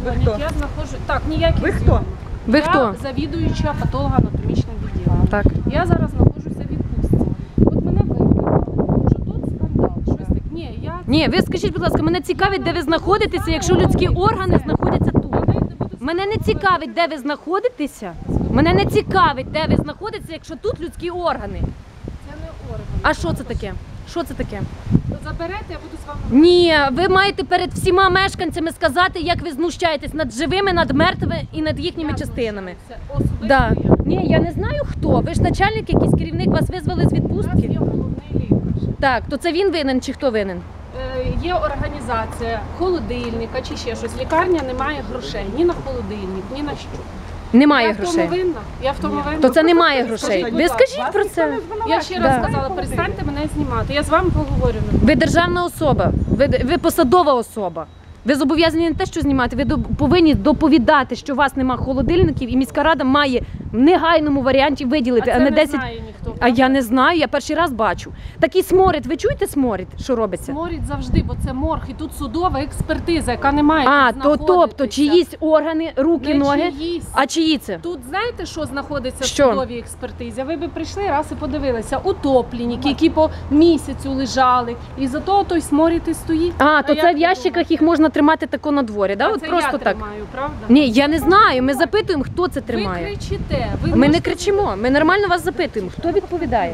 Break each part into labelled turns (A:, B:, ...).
A: дзвонять, я знаходжу... Так, ніяких
B: Ви хто?
A: зйомок.
C: Ви хто?
A: Я завідуюча патологоанатомічним відділом.
C: Так.
A: Я зараз знаходжуся в відпустці. От мене викликали, що тут скандал, щось таке. Ні, я...
C: Ні, ви скажіть, будь ласка, мене цікавить, де ви знаходитеся, якщо людські органи знаходяться тут. Мене не цікавить, де ви знаходитеся. Мене не цікавить, де ви знаходитеся, якщо тут людські органи.
A: Це не орган.
C: А що це таке? Що це таке?
A: Заберете, я буду з вами...
C: Ні, ви маєте перед всіма мешканцями сказати, як ви знущаєтесь над живими, над мертвими і над їхніми частинами.
A: Це особисто
C: Да.
A: я.
C: Ні, я не знаю хто. Ви ж начальник, якийсь керівник, вас визвали з
A: У нас
C: відпустки.
A: є головний лікар.
C: Так, то це він винен чи хто винен?
A: Є організація холодильника чи ще щось. Лікарня не має грошей ні на холодильник, ні на що.
C: Немає
A: Я в
C: грошей.
A: тому винна. Я в тому винна.
C: То це немає грошей.
A: будь
C: Ви
A: ласка,
C: скажіть про це.
A: Я ще раз сказала, перестаньте мене знімати. Я з вами поговорю.
C: Ви державна особа, ви посадова особа. Ви зобов'язані не те, що знімати, ви повинні доповідати, що у вас нема холодильників, і міська рада має в негайному варіанті виділити,
A: А
C: а
A: це
C: не
A: не
C: 10.
A: знає ніхто.
C: А я не знаю, я перший раз бачу. Такий сморід, ви чуєте сморід, що робиться?
A: Сморід завжди, бо це морг, і тут судова експертиза, яка не має
C: А,
A: тут
C: тобто
A: знаходитися.
C: чиїсь органи, руки,
A: Не
C: ноги.
A: чиїсь.
C: А чиї це?
A: Тут знаєте, що знаходиться
C: Що?
A: в судовій експертизі? Ви б прийшли раз і подивилися. Утопленники, які по місяцю лежали. І за того той сморід і стоїть.
C: А, то
A: як
C: це в
A: ви
C: ящиках
A: думаєте?
C: їх можна тримати тако на дворі, да?
A: А
C: От
A: це
C: просто
A: я
C: так.
A: тримаю, правда?
C: Ні, я не знаю. Ми запитуємо, хто це
A: Ви
C: тримає.
A: кричите.
C: Ми не
A: можете-
C: кричимо, ми нормально вас запитуємо. Хто відповідає?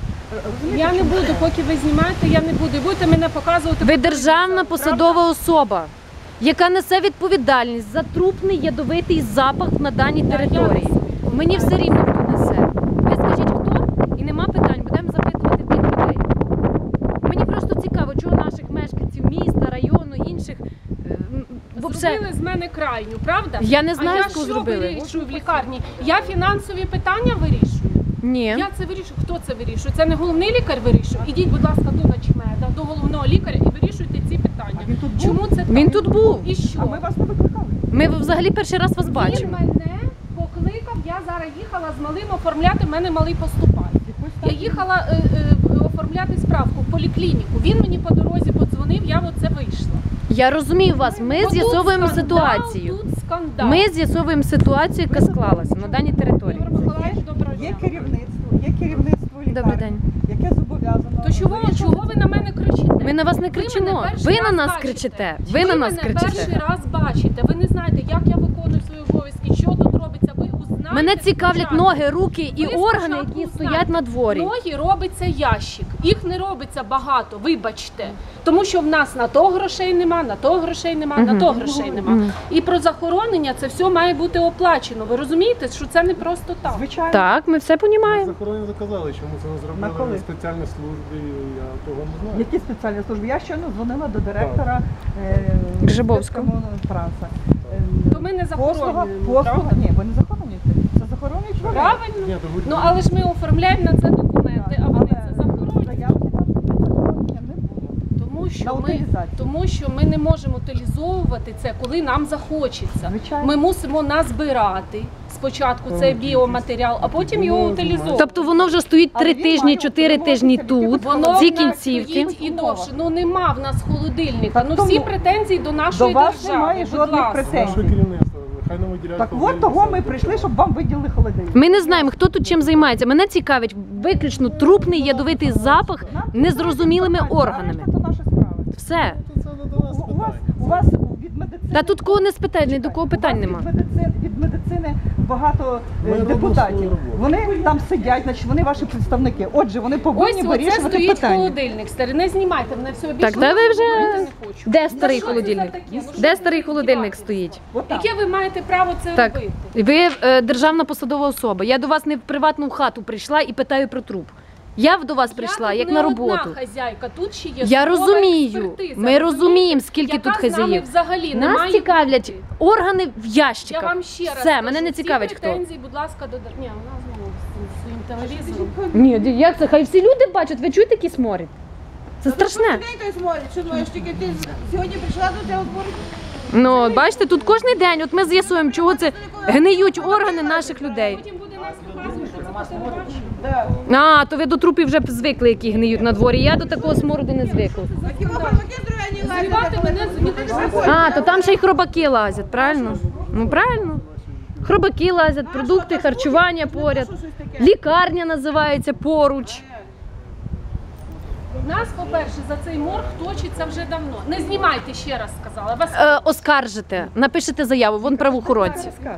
A: Я не буду, поки ви знімаєте, я не буду. І будете мене показувати.
C: Ви
A: по
C: державна
A: телевізору,
C: посадова особа, яка несе відповідальність за трупний ядовитий запах на даній
A: Да, я
C: території.
A: несу
C: Мені все рівно хто несе. Ви скажіть хто, і нема питань, будемо запитувати тих людей. Мені просто цікаво, чого наших мешканців міста, району, інших
A: Зробили з мене крайню, правда?
C: Я не знаю,
A: а
C: з кого
A: я що
C: зробили.
A: вирішую в лікарні? Я фінансові питання вирішую.
C: Ні.
A: Я це вирішую. Хто це вирішує? Це не головний лікар вирішує. Ідіть, будь ласка, до начмеда, до головного лікаря і вирішуйте ці питання.
B: А він тут був?
A: Чому це так?
C: Він тут був.
A: І що?
B: А ми вас не викликали.
C: Ми взагалі перший раз вас
A: Він
C: бачимо.
A: мене покликав, я зараз їхала з малим оформляти, в мене малий поступає. Я їхала оформляти справку в поліклініку. Він мені по дорозі подзвонив, я оце вийшла.
C: Я розумію вас, ми
A: Бо
C: з'ясовуємо
A: тут скандал,
C: ситуацію.
A: Тут скандал.
C: Ми з'ясовуємо ситуацію, яка склалася на даній території.
A: Ігор Миколаївич, доброго
B: Є
A: дня.
B: керівництво лікарні,
C: Добрий день.
B: яке зобов'язано.
A: То чого ви на мене кричите?
C: Ми на вас не
A: Ви
C: кричимо.
A: мене перший
C: Ви на
A: раз
C: нас
A: бачите.
C: кричите. Ви на нас
A: мене перший
C: кричите.
A: раз бачите. Ви не знаєте, як я виконую свої обов'язки, що тут робиться. Ви узнаєте.
C: Мене цікавлять
A: спочатку.
C: ноги, руки і
A: Ви
C: органи,
A: спочатку
C: які стоять
A: узнаєте.
C: на дворі.
A: Ноги робиться ящик. Їх не робиться багато, вибачте. Тому що в нас на то грошей нема, на то грошей нема, на то грошей нема. І про захоронення це все має бути оплачено. Ви розумієте, що це не просто так.
B: Звичайно.
C: Так, ми все розуміємо.
D: Захоронення заказали, чому це не
B: На коли?
D: зробили спеціальні служби, я того не знаю.
B: Які спеціальні служби? Я щойно дзвонила до директора
C: Гжибовського.
B: Транса.
A: То ми не захоронюємо,
B: Послуга,
A: правда?
B: ні, ви не захоронюєте. Це захоронюють вони.
A: Правильно?
D: Ні, то ви-
A: Ну але ж ми оформляємо на це документи, а вони це захоронюють.
B: Заявки на захоронення не було.
A: На
B: На утилізацію.
A: тому що ми не можемо утилізовувати це, коли нам захочеться.
B: Звичайно.
A: Ми мусимо назбирати спочатку цей біоматеріал, а потім його утилізовувати.
C: Тобто воно вже стоїть
B: Але
C: 3
B: він
C: тижні,
B: має
C: 4 тижні
B: утримуватися
C: тут,
B: в
A: Воно
C: ці
A: в нас
C: кінцівки.
A: стоїть і довше. Ну нема в нас холодильника.
B: Так
A: Ну
B: тому
A: всі претензії до нашої
B: до вас
A: держави.
B: немає
A: будь
B: жодних
A: ласка.
B: претензій.
D: Наше керівництво, хай нам виділяють.
B: Так
D: холодильник,
B: от того ми
D: саме
B: прийшли,
D: до
B: щоб вам виділили холодильник.
C: Ми не знаємо, хто тут чим займається. Мене цікавить виключно трупний ядовитий запах незрозумілими органами.
B: Це наша справа.
C: Все.
D: Ну, це не до нас
B: У вас від медицини...
C: Та тут кого не спитають, ні до кого питань нема.
B: Від медицини багато
D: Ми робимо
B: депутатів.
D: свою роботу.
B: Вони там сидять, значить вони ваші представники. Отже, вони повинні
A: Ось оце
B: вирішувати
A: стоїть
B: питання.
A: холодильник. Старий, не знімайте мене все більше.
C: Так, де ви вже...
A: говорити не хочу.
C: Де старий
A: що це
C: холодильник?
A: за таке? Ну, що
C: Де
A: ви
C: старий холодильник
A: здіваєтеся?
C: стоїть?
B: Отак.
A: Яке ви маєте право це
C: Так,
A: робити?
C: ви державна посадова особа. Я до вас не в приватну хату прийшла і питаю про труп. Я до вас прийшла,
A: Я
C: як
A: тут
C: на
A: не
C: роботу.
A: одна хазяйка, тут ще є
C: Я
A: судова
C: розумію,
A: експертиза,
C: ми розуміємо, скільки
A: яка
C: тут
A: з нами
C: хазяїв.
A: взагалі не
C: Нас
A: має
C: цікавлять
A: бути.
C: органи в
A: Я
C: ящиках.
A: вам ще раз
C: Все,
A: кажу,
C: мене не
A: всі
C: цікавить хто.
A: претензії, будь ласка, до... Ні, вона знову з своїм телевізором.
C: Ні, як це? Хай всі люди бачать, ви чуєте який сморід? Це страшне.
E: День той смотрить, що думаєш, тільки ти сьогодні прийшла до цього збору?
C: Ну, бачите, тут кожен день, от ми з'ясуємо, чого це гниють органи наших людей.
A: Потім буде нас показувати це по телебаченню.
C: А, то ви до трупів вже звикли, які гниють на дворі. Я до такого смороду не звикла.
A: Зривати мене з
C: А, то там ще й хробаки лазять, правильно? Ну, правильно. Хробаки лазять, продукти харчування поряд. Лікарня називається поруч.
A: Нас, по-перше, за цей морг точиться вже давно. Не знімайте, ще раз сказала. Вас
C: Оскаржите, напишете заяву, вон правоохоронці.
B: Скаже.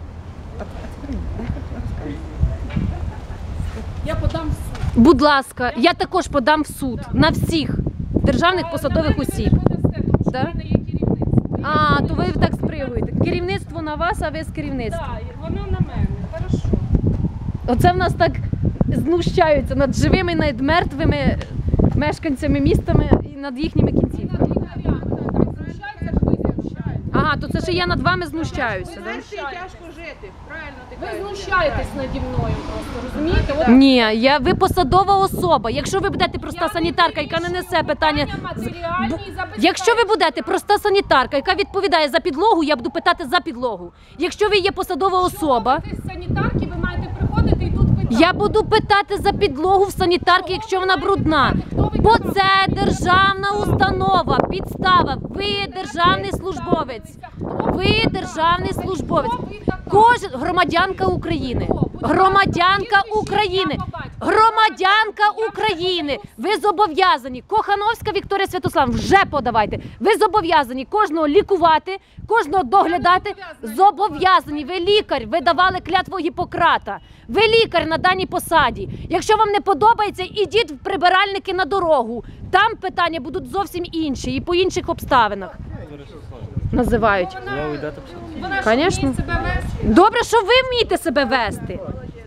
A: я подам в суд.
C: Будь ласка, я також подам в суд на всіх державних посадових осіб.
A: Ви не подасте, тому що
C: Да?
A: в мене є керівництво.
C: А, то ви так спригуєте. Керівництво на вас, а ви з керівництва.
A: Так, воно на мене. Хорошо.
C: Оце в нас так знущаються над живими, над мертвими мешканцями містами і над їхніми кінцівками.
A: Над лікарями так знущаються, ви знущаєтесь.
C: Ага, то це ще я над вами знущаюся,
E: Ви
C: да?
E: знаєш, що тяжко жити. Правильно ти
A: Ви
E: кажеш.
A: знущаєтесь наді мною просто, розумієте? От
C: Ні, ви посадова особа. Якщо ви будете проста санітарка, яка не несе питання. Якщо ви будете проста санітарка, яка відповідає за підлогу, я буду питати за підлогу. Якщо ви є посадова особа,
A: З санітарки ви маєте приходити і тут питати.
C: я буду питати за підлогу в санітарки, якщо вона брудна. Бо це державна установа, підстава. Ви державний службовець. Ви державний службовець. Кожен громадянка України. Громадянка України. Громадянка України. Ви зобов'язані. Кохановська Вікторія Святославівна, вже подавайте. Ви зобов'язані кожного лікувати, кожного доглядати. Зобов'язані. Ви лікар. Ви давали клятву Гіппократа. Ви лікар на даній посаді. Якщо вам не подобається, ідіть в прибиральники на дорогу. Там питання будуть зовсім інші і по інших обставинах. Називають.
A: Вона ж
C: Конечно.
A: вміє себе вести.
C: Добре, що ви вмієте себе вести.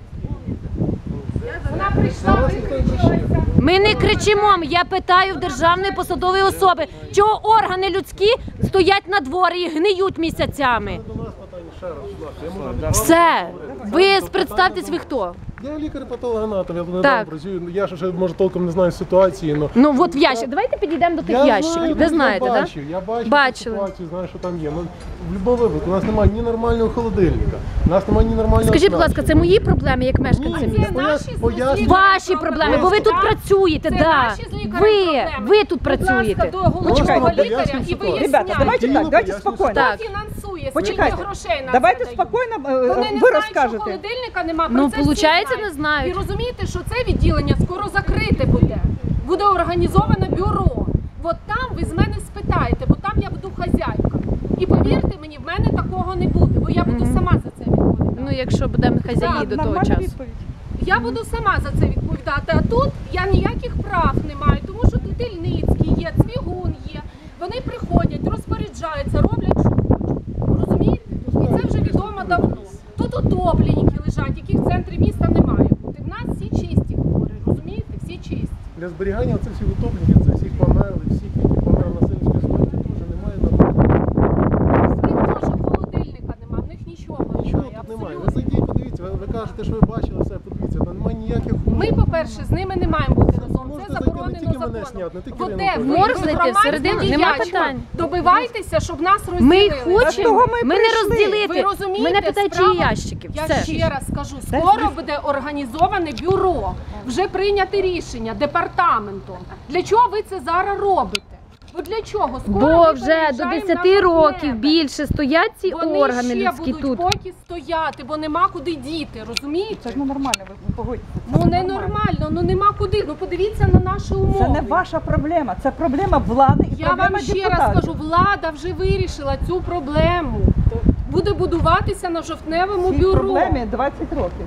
A: Вона прийшла, викричилася.
C: Ми не кричимо, я питаю в державної посадової особи, чого органи людські стоять на дворі і гниють місяцями.
D: До нас питання ще раз, будь ласка. Я можу не
C: Все, ви представтесь, ви хто?
D: Я лікар-патологоанатом, я недавно
C: Так.
D: працюю. Я ще може толком не знаю ситуації, але
C: Ну от в ящик. Давайте підійдемо до тих ящиків. Ви знаєте,
D: я
C: так?
D: бачив, я бачив
C: Бачили.
D: ситуацію, знаю, що там є. Ну, в будь-якому випадку у нас немає ні нормального холодильника, у нас немає ні нормального
C: Скажіть, будь ласка, це
D: оснащення.
C: мої проблеми як мешканця
A: Це
C: міста?
A: наші
D: Поясню.
C: Ваші проблеми, бо ви тут
A: Так?
C: працюєте,
A: Це
C: да.
A: наші з лікарем проблеми.
C: Ви тут
A: Будь ласка,
C: працюєте.
A: до головного
B: Почекайте,
A: лікаря
D: поясню
A: і
D: ситуацію.
A: виясняйте.
B: Ребята, давайте так, давайте
D: Поясню
B: спокійно.
C: Так.
A: Хто фінансує, скільки
B: Почекайте,
A: грошей на
B: давайте
A: це дають?
B: спокійно,
A: Вони не
B: ви
A: знають, що
B: розкажете.
A: холодильника нема.
C: Ну,
A: про це всі
C: получається,
A: знають.
C: не знають.
A: І розумієте, що це відділення скоро закрите буде. Буде організоване бюро. От там ви з мене спитаєте, бо там я буду хазяйка. І повірте мені, в мене такого не буде, бо я буду сама за це відповідати.
C: Ну, якщо будемо хазяї
A: Так,
C: до того
B: Нормальна
C: часу.
B: відповідь.
A: Я буду сама за це відповідати. А тут я ніяких прав не маю, тому що тут Ільницький є, Цвігун є. Вони приходять, розпоряджаються, роблять, що хочуть. Розумієте? І це вже відомо давно. Тут утопленники лежать, яких в центрі міста не має бути. В нас всі чисті хворі, розумієте? Всі чисті.
D: Для зберігання оцих всіх утопленників, це всіх померлих, всіх, які померли насильницької смерті, теж немає нормального.
A: В них теж холодильника немає, в них нічого
D: Нічого
A: немає.
D: тут немає. Ви
A: абсолютно.
D: зайдіть, подивіться, ви кажете, що ви бачили все, подивіться, там немає ніяких умов.
A: Ми, по-перше, з ними не маємо бути разом.
D: Можете
A: Це
D: зайти, не
A: заборонено
D: тільки мене
A: законом.
D: зняти, не тільки
A: От
D: Ірину
A: де
D: Петрівну.
A: ви,
C: Можете зайти
A: громадські
C: всередину? Нема
A: діячі,
C: питань.
A: добивайтеся, щоб нас
C: Ми
A: розділили.
C: їх хочемо,
B: того ми
C: ми не
B: прийшли.
C: розділити.
A: Ви розумієте,
C: Мене питають,
A: справа-
C: чиї ящики.
A: Я
C: Все.
A: ще раз скажу, скоро буде організоване бюро, вже прийняте рішення департаментом. Для чого ви це зараз робите? От для чого? Скоро
C: Бо
A: ми
C: вже до
A: переїжджаємо
C: 10
A: на
C: років
A: Жовтневе.
C: більше стоять ці
A: Вони
C: органи
A: ще
C: людські
A: будуть
C: тут.
A: поки стояти, бо нема куди діти, розумієте?
B: Це ж ненормально, ви погодьтеся.
A: Ну не нормально, ну нема куди. Ну подивіться на наші умови.
B: Це не ваша проблема, це проблема влади і
A: Я
B: проблема
A: вам ще раз
B: депутатів.
A: кажу, влада вже вирішила цю проблему. Буде будуватися на жовтневому
B: Цій
A: бюро.
B: проблемі 20 років.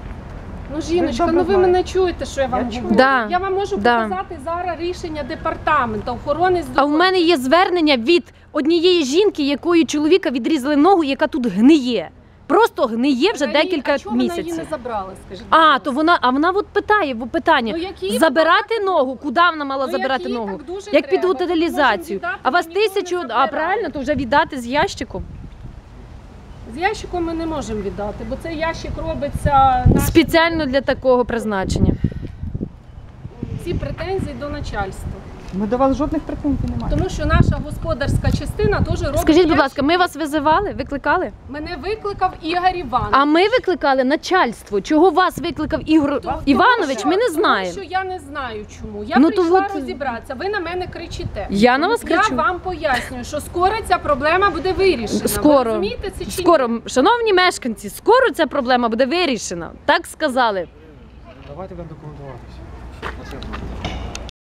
A: Ну, жіночка,
B: Ви
A: ну
B: добре
A: ви мене
B: знаєте.
A: чуєте, що я вам
B: Я чую.
A: говорю?
C: Да,
A: Я вам можу
C: да.
A: показати зараз рішення департаменту охорони
C: А
A: здоров'я.
C: в мене є звернення від однієї жінки, якої чоловіка відрізали ногу, яка тут гниє. Просто гниє вже декілька
A: А чого вона її
C: місяців.
A: не забрала, скажіть?
C: А, то вона от питає, питання.
A: Ну, які
C: Забирати ногу, куди вона мала
A: Ну,
C: забирати
A: які
C: ногу?
A: так дуже
C: Як під
A: треба.
C: утилізацію.
A: Можемо віддати,
C: А вас
A: бо ніколи не
C: 1000, а
A: забирають.
C: правильно, то вже віддати з ящиком.
A: З ящиком ми не можемо віддати, бо цей ящик робиться нашим-
C: Спеціально для такого призначення.
A: Всі претензії до начальства.
B: Ми до вас жодних претензій не маємо.
A: Тому що наша господарська частина теж робить.
C: Скажіть, будь
A: ящик.
C: ласка, ми вас визивали? Викликали?
A: Мене викликав Ігор Іванович.
C: А ми викликали начальство. Чого вас викликав Ігор Іванович, ми не знаємо.
A: Тому що я не знаю чому. Я
C: Ну, то
A: прийшла
C: от-
A: розібратися. Ви на мене кричите.
C: Я на вас кричу?
A: Я вам пояснюю, що скоро ця проблема буде вирішена. Ви
C: Скоро,
A: розумієте це чи ні?
C: скоро, шановні мешканці, скоро ця проблема буде вирішена. Так сказали.
D: Давайте будемо документуватися.